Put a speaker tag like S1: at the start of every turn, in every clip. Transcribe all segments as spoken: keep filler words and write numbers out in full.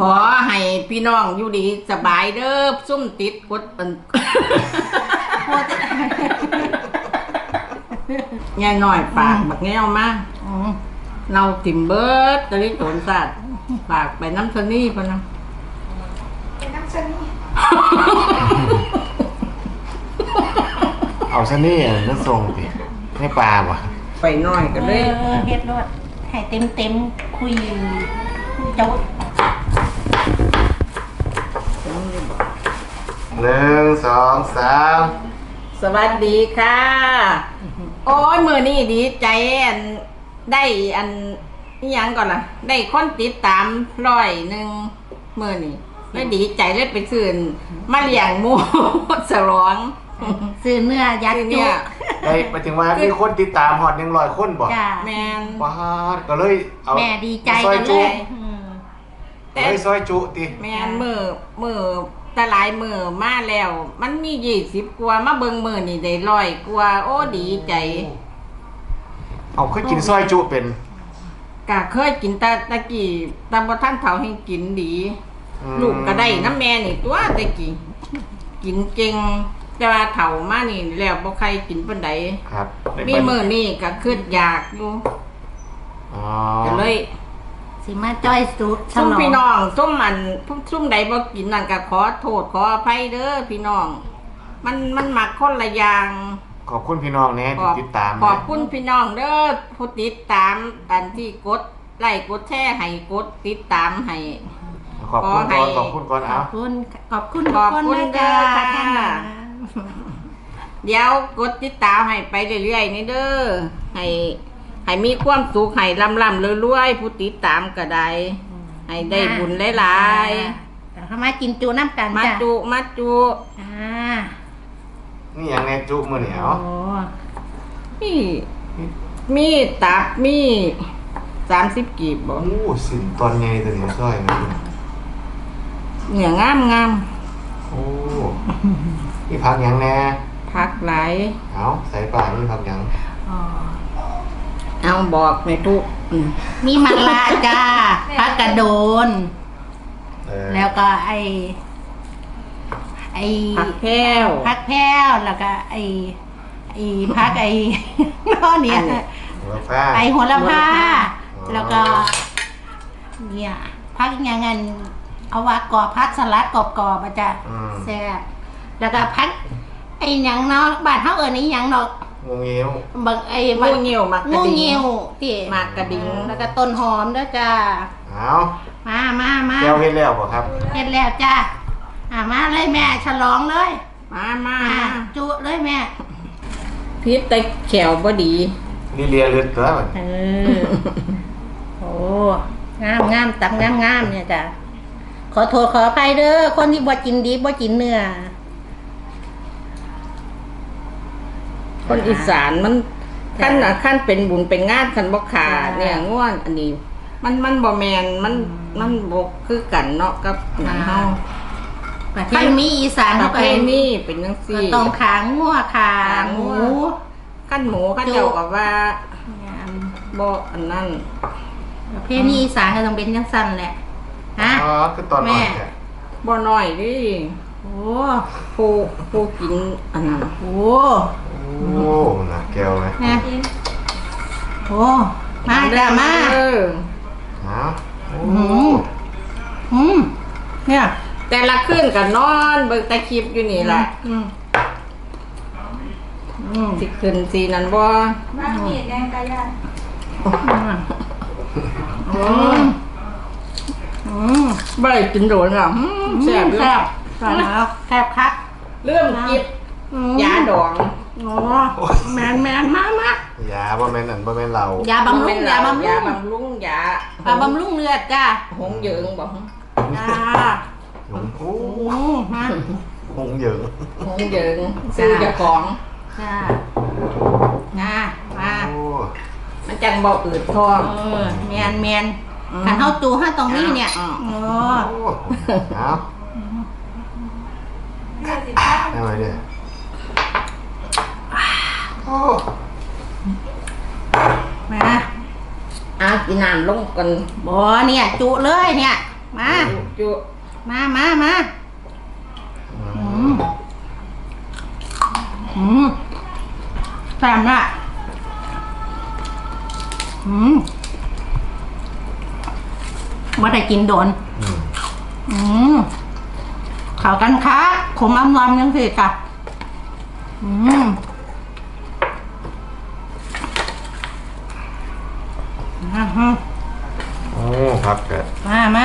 S1: อให้พี่น้องอยู่ดีสบายเด้อซุ่มติดกดอันแง่หน่อยปากบักแง่วมาเราติ่มเบิร์ดตะลิโตนสัตว์ปากไปน้ำชนี่พะนะ
S2: ไปน้ำชนี่
S3: เอาชนี่นั่นทรงดิไม่ปลาว่ะ
S1: ไปหน่อยกันเลย
S2: เฮ็ดรวดให้เต็มเต็มคุยเจ้า
S3: หนึ่งสองสาม
S1: สวัสดีค่ะโอ้ยมือนี่ดีใจอันได้อันนี่ยังก่อนล่ะได้คนติดตามร้อยหนึ่งมือนี่ไม่ดีใจเลยไปซื้อมาเลี้ยงหมูสลอง
S2: ซื้อเนื้อยัดจุก
S3: ไอ้ไปถึงว่ามีคนติดตามหอดหนึ่งร้อยคนบ่
S1: แมน
S3: ว้าก็เลย
S2: เอาแม่ดีใจกันเลย
S3: แต่ซอยจุติ
S1: แมนมือมือตะหลายมือมาแล้วมันมียี่สิบกว่ามาเบิ่งมือนี่ได้ร้อยกว่าโอ้ดีใจ
S3: เอาเคยกินซอยจุเป็น
S1: กะเคยกินตะตะกี้ตะบ่ทันเฒ่าให้กินดีลูกก็ได้น้ำแม่นี่ตัวตะกี้กินเก่งแต่ว่าเฒ่ามานี่แล้วบ่ใครกินปานใด
S3: ครับ
S1: มีมื้อนี้ก็คิดอยากอยู่
S3: อ๋อ
S1: ก็เลย
S2: สิมาจ้อยสุด
S1: ซุ่มพี่น้องซุ่มมันซุ่มใดบ่กินนั่นก็ขอโทษขออภัยเด้อพี่น้องมันมันมักคนละอย่าง
S3: ขอบคุณพี่น้องแน่ที่ติดตาม
S1: ขอบคุณพี่น้องเด้อผู้ติดตามอันที่กดไลค์กดแชร์ให้กดติดตามให้
S3: ขอบคุณก่อนขอบคุณก่อนเอา
S2: ขอบคุณขอบคุณ
S1: ขอบคุณเด้อค่ะเดี๋ยวกดติดตามให้ไปเรื่อยๆนี่เด้อให้ให้มีความสุขให้ลำลำรวยๆผู้ติดตามก็ได้ให้ได้บุญหลาย
S2: ๆเข้ามากินจูน้ำกัน
S1: มาจุมาจุ
S2: อ่า
S3: นี่อย่างไงจุมือเหนียว
S1: มีมีตับมีสามสิบกีบบ่
S3: โอ้สิตอนไงตัวนี้ซ้อย
S1: เนี่ยงามงาม
S3: โอ้นี่พักยังแน่
S1: พักหลาย
S3: เอาใส่ปลานี่พักยัง
S1: เอาบอกในทุก
S2: มีมะลาจ้าพักกระโดนแล้วก็ไอไอ
S1: พักแพ้ว
S2: พักแพ้วแล้วก็ไอไอพักไอน้อเนี่ยไอหัวละผ้าแล้วก็เนี่ยพักยังไงเอาว่ากรอบพักสลัดกรอบๆมาจ้ะแซ่บแล้วก็พักไอหยังเนาะบ้านเฮาเอิ้นอีหยังเนาะ
S3: งูเงี้ยว
S2: บักไอ้
S1: งูเงี้ยวมักกระดิ่งงู
S2: เงี้ยวที่
S1: มักกระดิ่ง
S2: แล้วก็ต้นหอมด้วยจ้า
S3: เอา
S2: มามามา
S3: แก้วเฮ็ดแล้วบ่ครับ
S2: เฮ็ดแล้วจ้าอ่ามาเลยแม่ฉลองเลย
S1: มามา
S2: จุเลยแม่
S1: พิษแต่แขวบ่ดี
S3: นี่เลียเลือดตัวมัน
S2: เออโอ้งามงามตักงามงามเนี่ยจ้าขอโทษขออภัยเด้อคนที่บ่กินดีบ่กินเนื้อ
S1: คนอีสานมันขั้นขั้นเป็นบุญเป็นงานขั้นบ่ขาเนี่ยง่วนอันนี้มันมันบ่แมนมันมันบ่คือกันเนาะกับหนังเฮา
S2: ขั้นมีอีสาน
S1: ประเพณีเป็นจังซี่
S2: ต้องขางัวขาหมู
S1: ขั้นหมูขั้นเจ้าก็ว่าบ่อันนั้น
S2: ประเพณีอีสานก็ต้องเป็นจังซั่นแหละฮะ
S3: อ๋อคือตอนน้อยแค่
S1: บ่น้อยดิ
S2: โอ้
S1: ผู้ผู้กินอันนั้น
S2: โอ้
S3: โอ้หนักแก้วเลย
S2: โอ้มาจ้ามา
S1: เออ
S3: ฮะ
S2: อืมอืมเนี่ย
S1: แต่ละคืนก็นอนเบิ่งแต่คลิปอยู่นี่แหละ
S2: อืมอืม
S1: สิขึ้นสินั่นบ่
S2: บ้านนี่แดงกะยา
S1: อืมอืมบ่ได้กินโดนหรอกแซ่บแซ่บ
S2: แซ่บแล้วแซ่บคัก
S1: เรื่องกินยาดอง
S2: โอ้แมนแมนมากมาก
S3: ยาบ่แม่นอันบ่แม่นเรา
S2: ยาบำรุงยาบำรุง
S1: ยาบำรุงยา
S2: ยาบำรุงเลือดจ้า
S1: หงเหยิงบอก
S2: จ้า
S3: หงโอ้
S2: ฮะ
S3: หงเหยิง
S1: หงเหยิงซื้อเจ้าของ
S2: จ้านะมา
S1: มันจังบ่อืดท้อง
S2: เออแมนแมนขันเท้าตูห้าตรงนี้เนี่ยโอ้
S3: เอาได้ไหมเนี่ยโอ้
S1: มาเอากินน้ำลงกัน
S2: บ่เนี่ยจุเลยเนี่ยมา
S1: จุ
S2: มามามาอืมอืมแซ่บละอืมว่าได้กินโดน
S3: อืม
S2: อืมข่าวกันค้าขมอำลำยังสิจ้ะอืมมาฮะ
S3: โอ้ครับเกิด
S2: มามา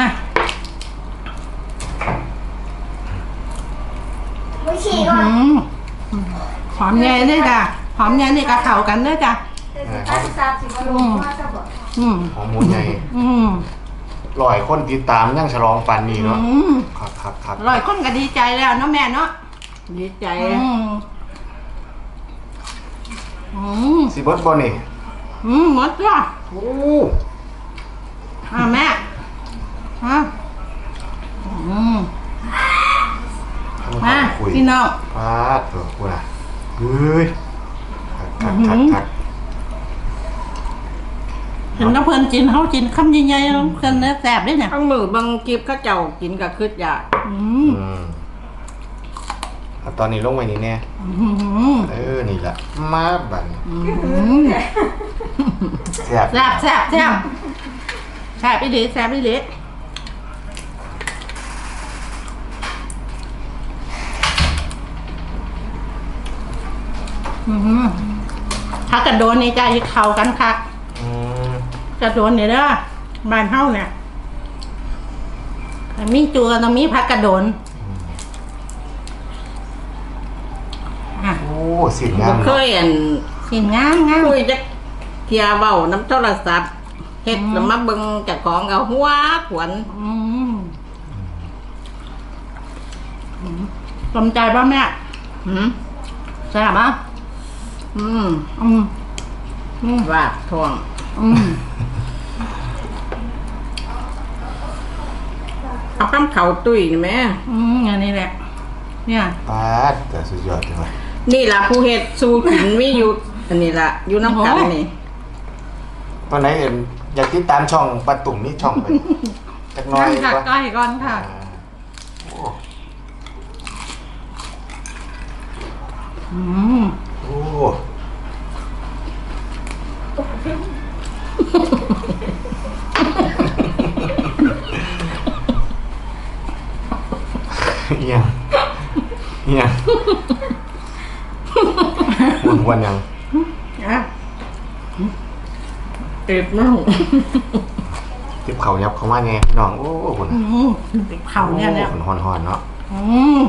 S4: ไม่ฉี่ก่อน
S2: อืมหอมใหญ่ด้วยจ้ะหอมใหญ่นี่กะเข่ากันด้วยจ้ะ
S4: แต่สิตาสิตาสิบลงว่าจะบอก
S2: อืม
S3: หอมหมูใหญ่
S2: อืม
S3: ลอยคนติดตามยังฉลองปันนี่เนาะ
S2: อืม
S3: ครับครับครับ
S2: อร่อยคนก็ดีใจแล้วเนาะแม่เนาะ
S1: ดีใจ
S2: อืมอืม
S3: สิบดบ่นี่
S2: อืมหมดจ้ะ
S3: โอ้
S2: อ่าแม่ฮะอืม
S3: มา
S2: มา
S3: คุย
S2: พี่น้อง
S3: ฟาดเถอะกูน่ะเฮ้ยคักคักคักคัก
S2: เห็นน้ำเพลินกินเขากินคำใหญ่ๆแล้วเพลินเนื้อแสบด้วยเนี่ย
S1: ข้างมือบางกิบเขาเจ้ากินกับคืดยา
S2: อืม
S3: อืมเอาตอนนี้ลงไว้นี่แน่
S2: อืม
S3: เออนี่แหละมาบัดน
S2: อืม
S3: แซ่บ
S2: แซ่บแซ่บแซ่บแซ่บอีหลีแซ่บอีหลีอืมถ้ากระโดนนี่จะอีกเข่ากันคัก
S3: อืม
S2: กระโดนเนี่ยเด้อบ้านเฮาเนี่ยถ้ามีจัวต้องมีพักกระโดนอ่ะ
S3: โอ้สิ่งงา
S1: บ่
S3: ม
S1: เคยอัน
S2: สิ่งงามงาม
S1: คุยจักเที่ยเว้าน้ำโทรศัพท์เฮ็ดแล้วมาเบิ่งเจ้าของก็หัวขวน
S2: อืมอืมสนใจป่ะแม่
S1: หืม
S2: ใช่ป่ะ
S1: อืม
S2: อืมอืม
S1: วาดทอง
S2: อืม
S1: เอาคำเขาตุ้ยนี่แม่
S2: อืมอย่างนี้แหละ เนี่ย
S3: ปาดแต่สุดยอดเลย
S1: นี่ล่ะผู้เฮ็ดสู่กินมีอยู่อันนี้ล่ะอยู่น้ำกันนี่
S3: ตอนไหนเห็นอยากติดตามช่องปาตุ่มนี่ช่องไปจักหน้อย
S2: นั่งค่ะ
S3: วะ
S2: ใกล้ก่อนค่ะ
S3: อ่าโอ้
S2: อืม
S3: โอ้เอียงเอียงวนวนยัง
S2: อ่ะ
S1: ติดมั้ง
S3: ทิบเขายับเขามาไงพี่น้องโอ้คน
S2: อืมเข่าเนี่ยเนี่ย
S3: คนฮอนฮอนๆเนาะ
S2: อืม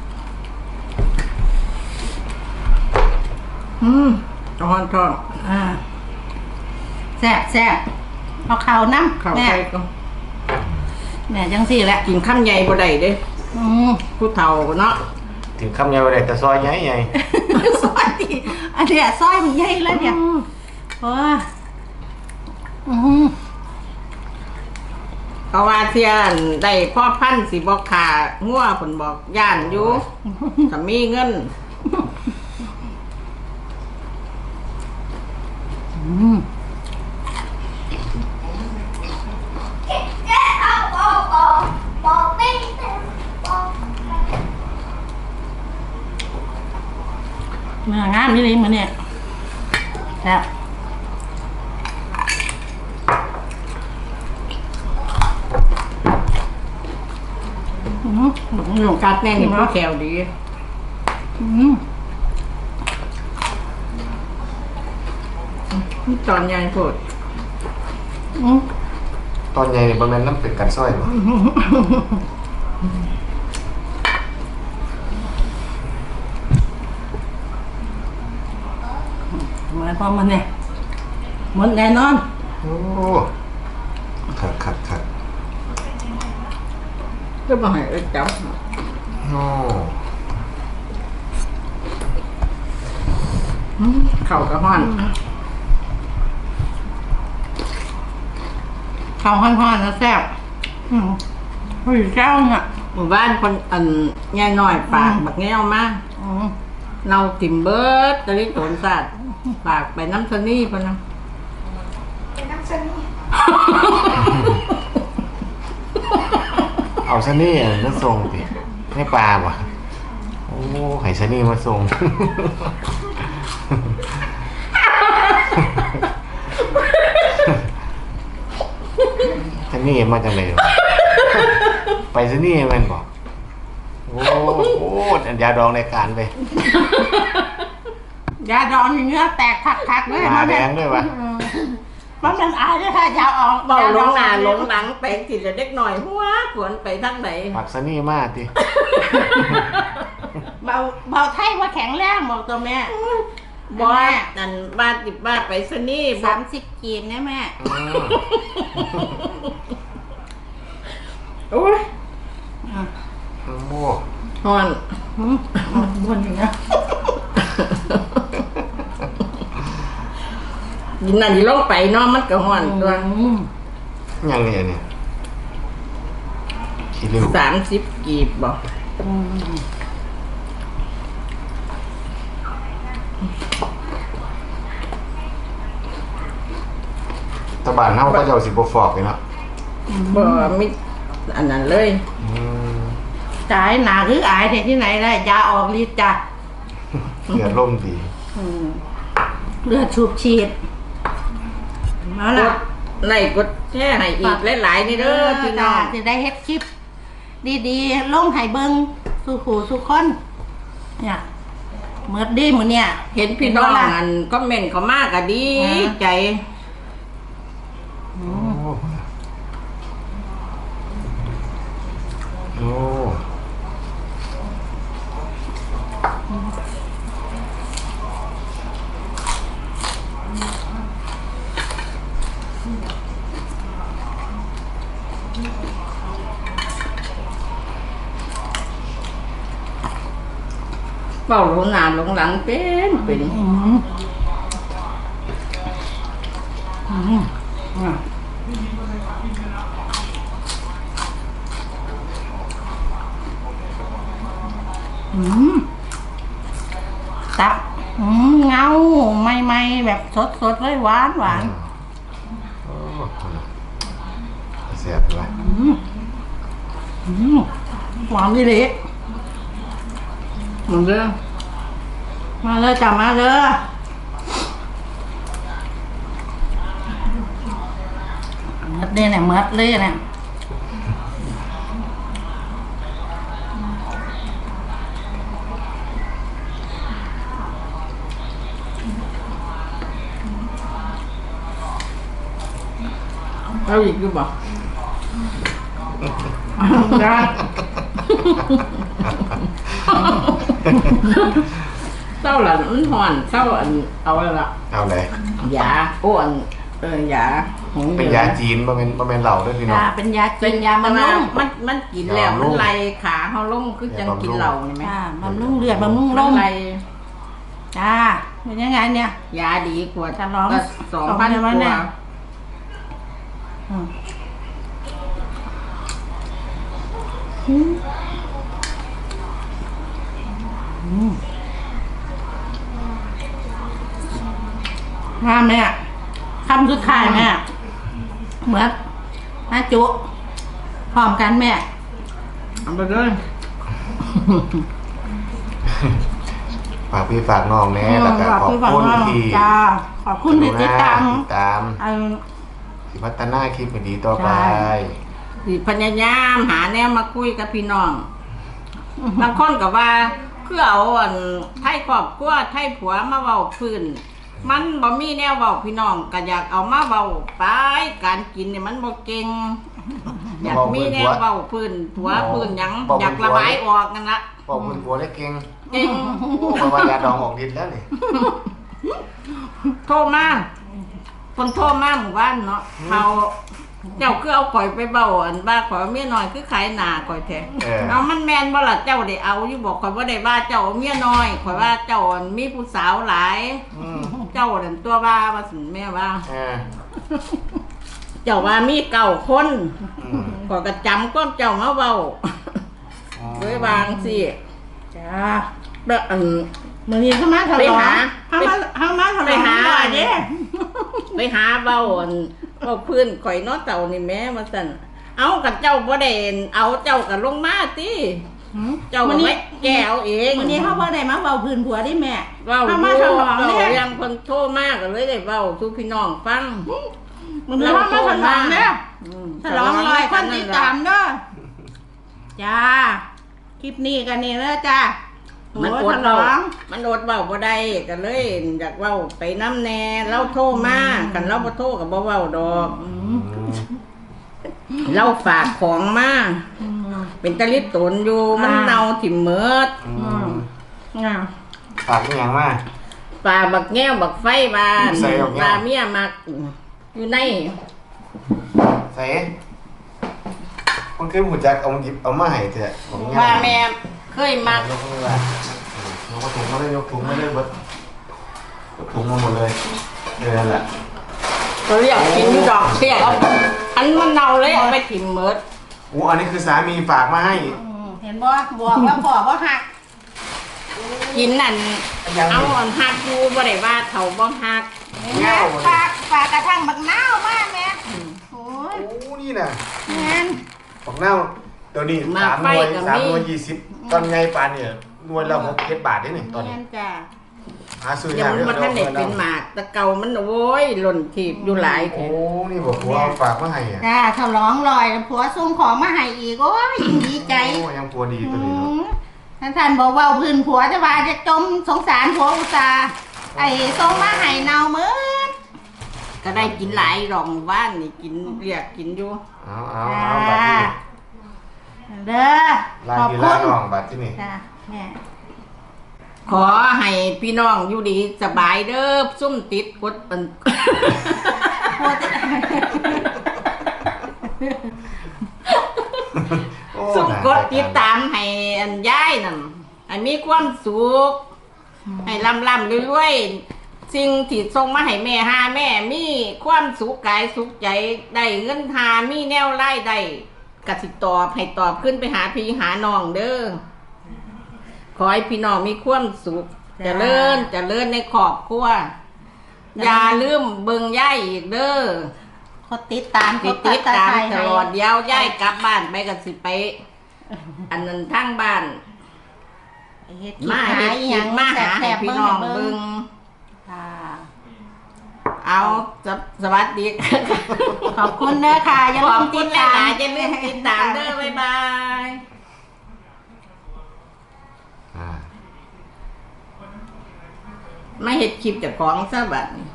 S1: อืมทองทอง
S2: อ่าแซ่บแซ่บเอาเข่าน้ำ
S1: เข้า
S2: แม่
S1: ไปก็
S2: แม่จังสี่แหละ
S1: กินข้ามใหญ่บ่ได้เด้
S2: อืม
S1: ผู้เฒ่าเนาะ
S3: ถึงคำยาวได้แต่ซอยใหญ่ใหญ่
S2: ซอยดิอันเนี้ยซอยมันใหญ่แล้วเนี่ยโอ้ยอืม
S1: เพราะว่าเที่ยนได้พ่อพันธุ์สิบอกขางัวผนบอกย่านอยู่ถ้ามีเงิน
S2: อืม
S4: เอาเอาเอาบอกไม่ได้บอก
S2: เนื้องามนี่เลยมันเนี่ยแซ่บอืมหลง
S1: กัดแน่นี่ผู้แถวดี
S2: อืม
S1: ตอนใหญ่โพด
S2: อืม
S3: ตอนใหญ่บางนั้นน้ำเป็นกันซอยบ่
S2: หมายความมันเนี่ยหมดแน่นอน
S3: โอ้ขัดขัดขัด
S1: ก็บ่ให้เอ้ยจับ
S3: โอ้
S1: อืมเข้ากระห้อน
S2: ข้าวห่อนๆแล้วแซ่บอืมเฮ้ยแก้วเนี่ย
S1: หมู่บ้านคนอันแง่น้อยปากบักแง่วมาก
S2: อืม
S1: เนาติ่มเบิดตะลิโตนสัตว์ปากไปน้ำสนี่พะนะ
S4: เป็นน้ำชนิด
S3: เอาซะนี่มาส่งสิให้ปลาบ่โอ้ไข่ซะนี่มาส่งซะนี่มาจากไหนวะไปซะนี่มันบอกโอ้โหอันยาดองในการไป
S2: ยาดองเนื้อแตกคักๆเลย
S3: ตาแดงด้วยวะ
S2: มันเป็นอายด้วยค่ะยาออก
S1: เบาลงหน้าลงหลังไปสิจะเด็กหน่อยหัวขวนไปทางไหน
S3: ปักซะนี่มากที
S2: เบาเบาไทยว่าแข็งแรงบอกตัวแม่
S1: บอสนั่นบ้านติดบ้านไปซะนี่บอ
S2: สาก มสิบกีบนะแม่
S1: โอ้ย
S3: โอ้โห
S1: ฮอน
S2: อืมบนอย่างเงี้ย
S1: ยินนั่นยินลงไปเนาะมันก็ฮอนตัว
S2: อืม
S3: ยังไงเนี่ยขี้ริ้ว
S1: สามสิบกีบบอก
S2: อืม
S3: ตะบานเฮาก็จะเอาสิบ่ฟอกเลยเนาะ
S1: บ่มีอันนั้นเลย
S3: อืม
S2: จ่ายหนาคืออายที่ไหนได้ยาออกฤทธิ์จ้ะ
S3: เลือดล่มดี
S2: อืมเลือดสูบฉีดมาละ
S1: ในกดแช่ให้อีกหลายๆนี่เด้อพี่น้อง
S2: จะได้เฮ็ดคลิป ดีๆลงให้เบิ่งสู่ขู่สู่คนเนี่ยเมื่อดีมื้อเนี่ย
S1: เห็นพี่น้องอันก็เมนต์เขามากอะดีใจ
S2: อื
S3: โอ้
S2: ม
S3: โอ้
S1: เฝ้าลงหน้าลงหลังเป็นเป็น
S2: อืมอืมอ่ะอืมตับอืมเงาไม่ไม่ๆแบบสดสดๆเลยหวานหวาน
S3: โอ้เสียบเลย
S2: อืมอืมหวานดีเลย
S1: มันเด้อ
S2: มาเลยจ้ะมาเลยมัดเลยเนี่ยมัดเลยเนี่ย
S1: เอาอีกดูบ่ได้เศร้าหลันมันหอนเศร้าอันเอาละละ
S3: เอาเลย
S1: ยาอ้วนเออยาหง
S3: เป็นยาจีนบ่เป็นบ่เป็นเหล้าด้วยพี่น้อง
S2: ยาเป็นยา
S1: เป็
S2: กิ
S1: น
S2: น
S1: ยาย
S2: า
S1: มัน
S2: บำรุง
S1: มันมันกินแล้ว
S3: ยาบำรุ
S1: มัน
S3: ง
S1: ไล่ขาเขาลงคือจังกินเหล้านี่ไหม
S2: จ้าบำรุงเลือดบำรุงล
S1: มัน
S2: ม
S1: ไล่
S2: จ้าเป็นยังไงเนี่ย
S1: ยาดีกว่า
S2: จะร้อง
S1: ก็สองพัน
S2: สองพัน
S1: ก
S2: เนี่
S1: ว่าย
S2: อืมอืมงามเนี่ยคำสุดท้ายแม่เหมือนแม่จุพร้อมกันแม่
S1: เอาไปเลย
S3: ฝากพี่ฝากน้องแน่แล้วก็ขอบ
S2: คุณ
S3: คุณที่
S2: จ้าขอบคุณที่ติดตาม
S3: ติดตาม
S2: เอา
S3: ที่พัฒนาคลิปให้ดีต่อไป
S2: ใช่
S1: สิพยายามหาแนวมาคุยกับพี่น้องบางคนก็ว่าคือเอาอันไทยครอบครัวไทยผัวมาเว้าพื้นมันบ่มีแนวเว้าพี่น้องก็อยากเอามาเว้าไปการกินเนี่ยมันบ่เก่งอยากมีแนวเว้าพื้นผัวพื้นหยังอยากระบายออกนั่นละ
S3: บอกคุณผัวได้เก่ง
S1: เก่ง
S3: โอ้เพราะว่ายาดองออกฤทธิ์แล้วนี่
S1: โทรมาคนโทรมาหมู่บ้านเนาะเขาเจ้าคือเอาข่อยไปเบาอันบ้าข่อยเอาเมียน้อยคือขายหนาข่อยแท้
S3: เออ
S1: เอามันแมนบ่ล่ะเจ้าได้เอาอยู่บอกข่อยบ่ได้ว่าเจ้าเอาเมียน้อยข่อยว่าเจ้าอันมีผู้สาวหลาย
S3: อืม
S1: เจ้านั่นตัวว่าว่าสิแม่ว่า
S3: เออ
S1: เจ้าว่ามีเก้าคน
S3: อืม
S1: ข่อยก็จำก้มเจ้ามาเว้าด้วยวางสิ
S2: จ้า
S1: แบบอัน
S2: มือนี้เข้ามาทะ
S1: ไป
S2: เลาะ
S1: หา
S2: เข้ามาเข้ามาทะ
S1: ไป
S2: เลาะ
S1: หา
S2: หน่อยดิ
S1: ไปหาเว้าอันเว้าพื้นข่อยเนาะเต่านี่แม่ว่าซั่นเอากับเจ้าบ่ได้เอาเจ้ากับลงมาติ
S2: หืม
S1: เจ้าก็ไม่แก้เอาเอง
S2: วันนี้เขาบ่ได้มาเว้าพื้นผัวได้แม่
S1: เว้า
S2: เขามาฉลอง
S1: เว้า
S2: เนี่ย
S1: ยังเพิ่นโทรมากก็เลยได้เว้าสู่พี่น้องฟัง
S2: มันนี้เขามาฉลองเนี่ย
S1: อืม
S2: ฉลองลอยคนติดตามเด้อจ้าคลิปนี้กันนี่เด้อจ้า
S1: มัน
S2: โอ้
S1: อด
S2: ฉล
S1: เว้า
S2: อง
S1: มันอดเว้าบ่ได้ก็เลยอยากเว้าไปน้ำแน่เราโทรมากันเราบ่โทรก็บ่เว้าดอก
S2: อื
S3: อื
S2: ม
S3: ม
S1: เราฝากของมา
S2: อืม
S1: เป็นตะลิตนอยู่มัน
S2: อ่า
S1: เน่าถิ่มเมิด
S3: อื
S2: อื
S3: ม
S2: มอ่า
S3: ฝากอีหยังมา
S1: ปลาบักแง้วบักไฟบาน
S3: ใส่บักแง้ว
S1: ปลาเมียมักอยู่ใน
S3: ใส่คนเคยหูจักเอาหยิบเอามาให้เถอะผม
S1: ปลาแม่เคยมัก
S3: ยกมือว่ายกถุงมาเลยยกถุงมาเลยเบิดยกถุงมาหมดเลยเดี๋ยวนั่นแหละ
S1: เขาเรียกกินอยู่ดอกเสียเอาอันมันเน่าเลยเอาไปถิ่มเมิด
S3: อู้อันนี้คือสามีฝากมาให้
S2: อืมเห็นบ่บอกว่าพ่อบ่หัก
S1: กินนั่น
S3: ยัง
S1: เอาอันหักอยู่บ่ได้ว่าเขาบ่หัก
S2: เห็นไหมฝากฝากกระทั่งบักนาวมากแม่โอ้ย
S3: โอ้นี่น่ะ
S2: แม่น
S3: ของเน่าเดี๋ยวนี้สามหน่วยสามหน่วยยี่สิบตอนไงปานเนี่ยหน่วยละหกเจ็ดบาทนี่นี่ตอนนี้
S2: แม่นจ้า
S3: หาซื้อ
S1: ยั
S3: ยาง ก
S1: มันบ่ทันได้เป็นหมากแต่เก่ามันโอ้ยหล่นถีบอยู่หลายแท้
S3: โอ้นี่บอกว่าฝากมาให้อ่ะ
S2: จ้าฉลองลอยแล้วผัวส่งของมาให้อีกโอ้ยยิ่งดีใจ
S3: โอ้ยังตัวดีตัวนี้เนาะ
S2: ท่านท่านบอกว่าพื้นผัวจะว่าจะจมสงสารผัวอุตส่าห์ไอ้ส่งมาให้เนาเหมือน
S1: ก็ได้กินหลายรองว่านนี่กินเรียกกินอยู่
S3: เอาเอาเอาบัตรที่นี่
S2: เด้อ
S3: ลา
S2: ขอบ
S3: ที่
S2: คุ
S3: ลา
S2: ณ
S3: น้องบัตรที่นี่
S2: จ้าแม่
S1: ขอให้พี่น้องอยู่ดีสบายเด้อซุ่มติดกดเป็น
S2: ผัวจะ
S3: โอ้
S1: ซุ่ม
S3: น่าก
S1: ดติดตามให้อันย้ายนั่นให้มีความสุขให้ลำลำรวยๆสิ่งที่ส่งมาให้แม่หาแม่มีความสุขกายสุขใจได้เงินหามีแนวไล่ได้กสิตอบให้ตอบขึ้นไปหาพี่หาน้องเด้อขอให้พี่น้องมีความสุขเจริญเจริญในครอบครัวอย่าลืมเบิ่งย่ายอีกเด้อ
S2: เขาติดตาม
S1: ติดติดตามตลอดเดี๋ยวย่ายกลับบ้านไปกันสิไป อันนั้นทางบ้าน
S2: มา
S1: มา
S2: เฮ็
S1: เฮ็
S2: ด
S1: ด
S2: ค
S1: ค
S2: ลิ
S1: ลิ
S2: ป
S1: ป
S2: มา
S1: มา
S2: หา
S1: หา
S2: ให้
S1: ให้
S2: พี่
S1: พี่
S2: น้
S1: น้
S2: อ
S1: อง ง
S2: เบิ่
S1: เบิ่
S2: ง
S1: ง
S2: ค่ะ
S1: เอาสวสวัสดี
S2: ขอบคุณเด้อค่ะอย่า
S1: ข
S2: ลื
S1: อบ
S2: ม
S1: คุ
S2: ติ
S1: ณ
S2: ด
S1: ห
S2: ตาม
S1: ลายๆอย่าลืมติดตามเด้อบ๊ายบาย
S3: อ่า
S1: มาเฮ็ดคลิปเจากของซะบัดนี้